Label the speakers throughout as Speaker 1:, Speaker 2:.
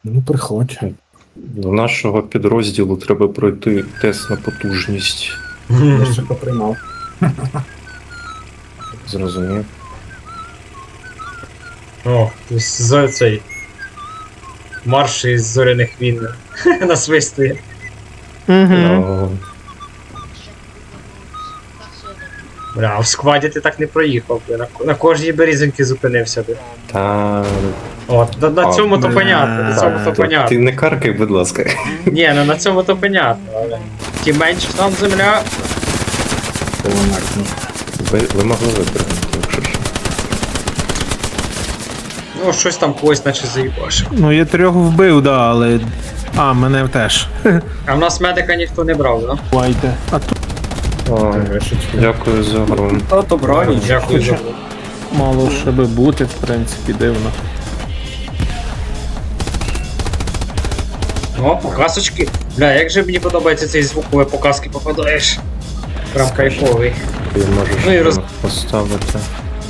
Speaker 1: Ну, приходь.
Speaker 2: До нашого підрозділу треба пройти тест на потужність.
Speaker 1: Я ще поприймав.
Speaker 2: Зрозумів.
Speaker 3: О, з цей марш із зоряних війн насвистує.
Speaker 2: Ну,
Speaker 3: Бля, а в скваді ти так не проїхав, бля. На кожній березинки зупинився би.
Speaker 2: та...
Speaker 3: От, на цьому то
Speaker 1: бля.
Speaker 3: понятно, на цьому то
Speaker 2: Ти
Speaker 3: понятно.
Speaker 2: не каркай, будь ласка.
Speaker 3: Ні, ну на цьому то понятно, але тим менше там земля.
Speaker 1: Полонарні.
Speaker 2: Ви могли випрыгнути, якщо що.
Speaker 3: Ну, щось там когось наче заїбашив.
Speaker 4: Ну, я 3 вбив, да, але. А, мене теж.
Speaker 3: А в нас медика ніхто не брав, да?
Speaker 4: Бувайте. А тут
Speaker 2: О,
Speaker 1: Вишечки.
Speaker 2: дякую за гру.
Speaker 1: То броні.
Speaker 3: Дякую за.
Speaker 4: мало ще би бути, в принципі, дивно.
Speaker 3: О, показочки. Бля, як же мені подобається цей звук, коли показки попадаєш. Прям кайфовий.
Speaker 2: Ти можеш
Speaker 3: Ну і роз-
Speaker 2: поставити.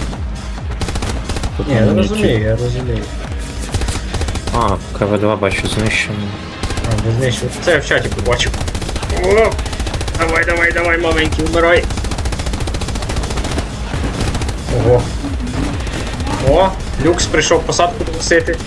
Speaker 3: Ні, я розумію, я розумію.
Speaker 2: А, КВ-2 бачу знищено.
Speaker 3: А, не знищив. Це я в чаті побачив. О! Давай, давай, давай, маленький, вмирай. Ого. О, люкс прийшов посадку доносити.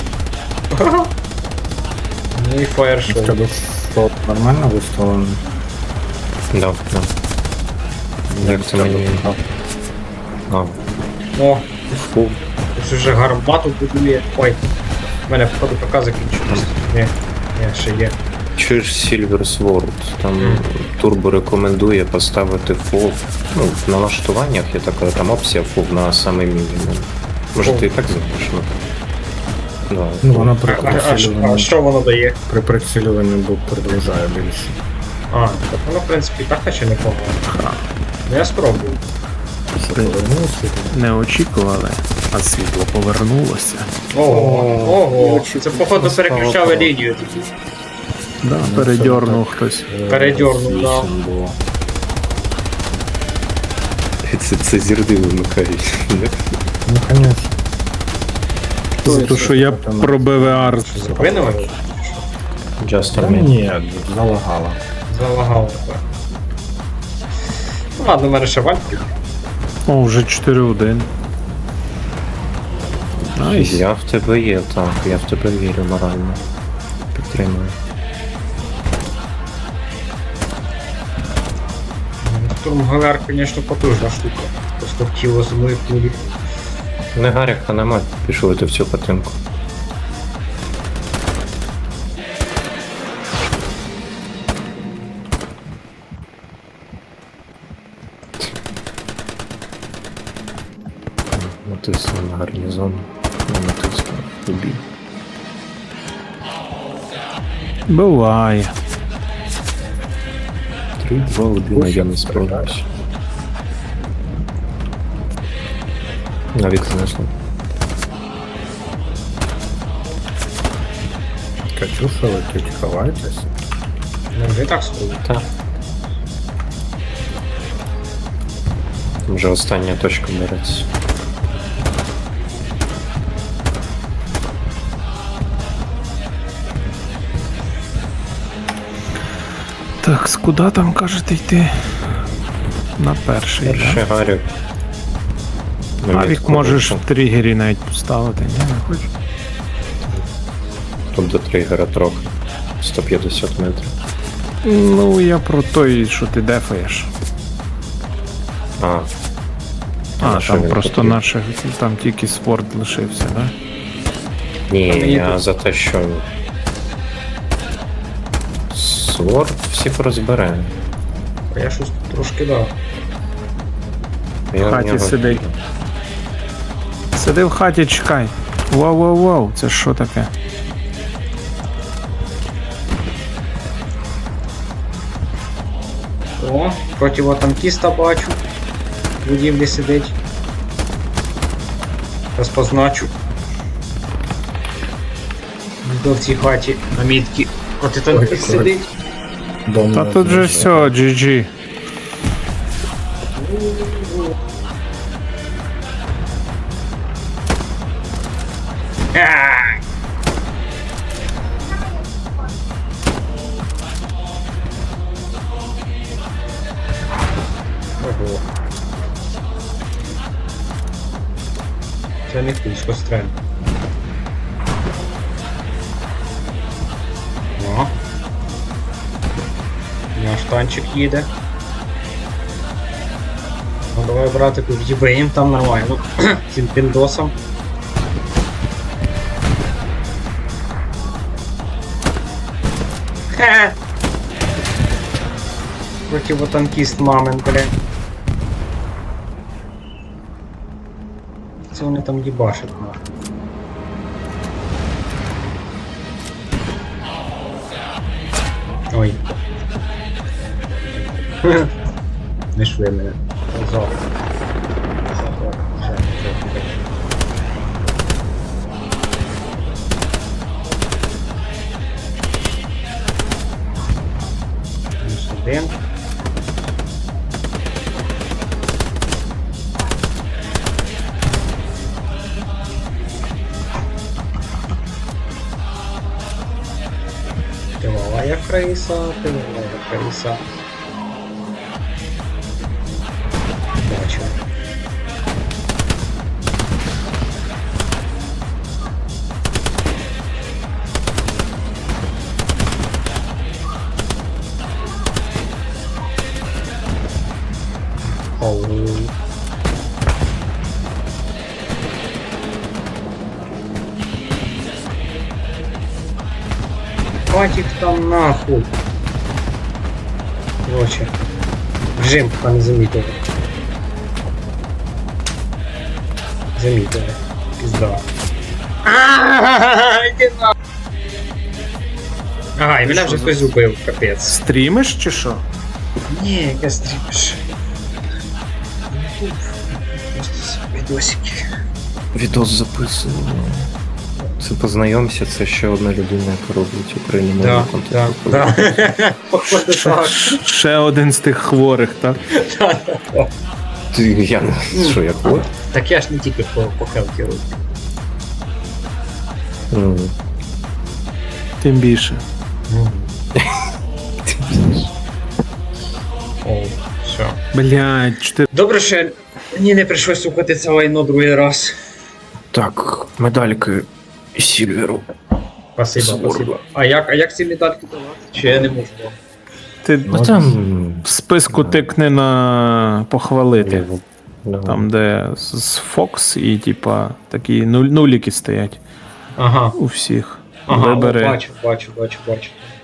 Speaker 3: Ну і фаєр-шоу.
Speaker 1: В тебе флот нормально виставлений?
Speaker 2: Да, да. Як це мені... А,
Speaker 3: О,
Speaker 2: фу.
Speaker 3: тут вже гармату будує. Ой, в мене походу ПК закінчилось. Ні, ще є.
Speaker 2: Чуєш Silver Sword, там турбо рекомендує поставити фул. Ну, в налаштуваннях є така там опція фул на самий мінімум. Може ти і так знаєш, ну. Да,
Speaker 1: Ну, вона при
Speaker 3: А
Speaker 1: прицілюванні,
Speaker 3: що воно дає?
Speaker 1: при прицілюванні продовжує більше.
Speaker 3: А, так воно в принципі так наче непогано. Ну я спробую.
Speaker 1: Повернувся.
Speaker 4: Не очікували, а світло повернулося.
Speaker 3: Ого, це походу переключали лінію тоді.
Speaker 4: Да, передьорнув хтось.
Speaker 3: Передьорнув, да.
Speaker 1: Вісім було.
Speaker 2: Це зірди вимикають.
Speaker 1: Ну, конечно.
Speaker 4: То, що я про БВР.
Speaker 3: Зупинили?
Speaker 2: Just
Speaker 1: Та
Speaker 2: a minute.
Speaker 1: ні, залагала.
Speaker 3: Залагало тепер. Ну ладно, в мене ще вальки.
Speaker 4: О, вже 4-1. Найс.
Speaker 2: Я в тебе є, так, я в тебе вірю морально. Підтримую.
Speaker 3: Штурмгалер, звісно, потужна штука. Просто в тіло землею плює.
Speaker 2: Не гаряка нема, пішли ти в цю хатинку. Натиснув на гарнізон, не натиснув убій.
Speaker 4: Буває.
Speaker 2: 3-2-1, я не справлюсь. Навіть знесло.
Speaker 1: Катюша летить, ховайтесь.
Speaker 3: Ну вже і так сходить.
Speaker 2: Так. Вже остання точка береться.
Speaker 4: Так, куди там кажете йти? На перший,
Speaker 2: Перший гарік.
Speaker 4: да? Авік можеш в тригері навіть поставити, ні, не хочу.
Speaker 2: Тут до тригера трохи. 150 метрів.
Speaker 4: Ну, я про той, що ти дефаєш.
Speaker 2: А,
Speaker 4: А,
Speaker 2: що
Speaker 4: там
Speaker 2: він
Speaker 4: просто
Speaker 2: хотів?
Speaker 4: наших, там тільки спорт лишився, да?
Speaker 2: ні,
Speaker 3: мені
Speaker 2: я
Speaker 3: тут-
Speaker 2: за те, що Сворд всіх розбере.
Speaker 3: А я щось трошки дав.
Speaker 2: Я
Speaker 4: В хаті
Speaker 2: нього-
Speaker 4: сидить. Сиди в хаті, чекай. Вау-вау-вау, це що таке?
Speaker 3: О, противотанкіста бачу. В будівлі сидить. Зараз позначу. До в цій хаті на мітці протитанкіст
Speaker 1: Ой,
Speaker 3: сидить.
Speaker 1: Дом
Speaker 4: Та
Speaker 1: не
Speaker 4: тут же
Speaker 1: знайшли.
Speaker 4: все, GG.
Speaker 3: це не кузько стрель. О. Наш танчик їде. Ну давай, братику, в'їбаєм там нормально. Цим піндосом. Хе! Противотанкіст мамин, бля. Це вони там їбашать, нахуй. Ой. Не шли мене. Зал. Один. Тиловая крыса, тиловая крыса. Бачу. Оу. Хватит там нахуй. Короче. Режим пока не замітили. Замітили. Пізда. Іди нахуй. Ага, і мене вже хтось убив, капець.
Speaker 4: Стрімиш чи що?
Speaker 3: Ні, яке стрімиш. Просто відосики.
Speaker 2: Відос записуємо. Це познайомся, це ще одна людина, яка робить український
Speaker 3: Да,
Speaker 2: контент.
Speaker 3: да. Походу так.
Speaker 4: Ще один з тих хворих, так?
Speaker 2: Ти, я не що, як от?
Speaker 3: Так я ж не тільки по хелті роблю.
Speaker 4: Тим більше.
Speaker 3: О, все.
Speaker 4: Блядь, 4.
Speaker 3: Добре, що мені не прийшлось слухати це лайно другий раз.
Speaker 2: Так, медальки Сільверу.
Speaker 3: Спасибо,
Speaker 2: Здорово.
Speaker 3: спасибо. А як ці медальки давати? Чи я не можу?
Speaker 4: Ти
Speaker 2: Ну там...
Speaker 4: в списку тикни на похвалити.
Speaker 2: Да.
Speaker 4: Там, де з Fox і типа такі нуліки стоять
Speaker 3: Ага.
Speaker 4: у всіх.
Speaker 3: Ага,
Speaker 4: Вибери.
Speaker 3: бачу.